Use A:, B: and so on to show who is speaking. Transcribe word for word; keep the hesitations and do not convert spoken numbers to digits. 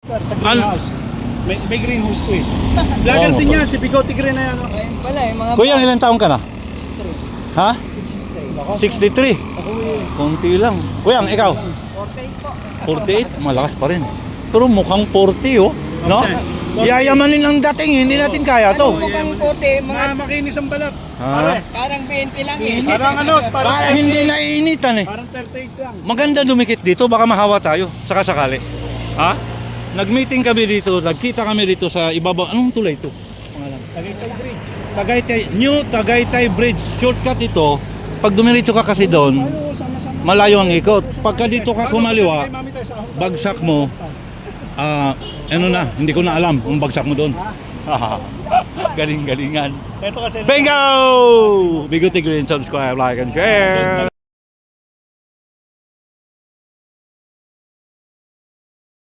A: Sir, sa greenhouse. May, may greenhouse to eh. Vlogger
B: Oo,
A: din
B: motor.
A: yan, si Bigote Green na yan. oh.
C: Ayun pala eh, mga
B: Kuya, ilang taong ka na? Ha?
A: Lakas,
B: sixty-three.
A: Ako eh.
B: Konti lang. Kuya, ikaw?
C: forty-eight po.
B: forty-eight? Malakas pa rin. Pero mukhang forty, oh. No? Yayamanin ang dating, hindi natin kaya to.
C: Mukhang puti, mga
A: Mga makinis ang balat.
B: Ha?
A: Pare,
C: parang twenty lang eh.
A: parang ano, parang,
B: Para hindi naiinitan eh.
A: parang thirty-eight lang.
B: Maganda dumikit dito, baka mahawa tayo, saka sakali. Ha? Nag-meeting kami dito, nagkita kami dito sa ibabaw. Anong tulay ito? Pangalan?
A: Tagaytay Bridge.
B: Tagaytay, New Tagaytay Bridge. Shortcut ito. Pag dumiretso ka kasi doon,
A: Tayo, sama-sama.
B: malayo ang ikot. Pagka dito ka
A: Paano
B: kumaliwa,
A: kay Mami tayo sa ahon?
B: bagsak mo, ah, ano na, hindi ko na alam kung bagsak mo doon. Galing-galingan.
A: Ito kasi.
B: Bingo! Bigote Green, subscribe, like, and share!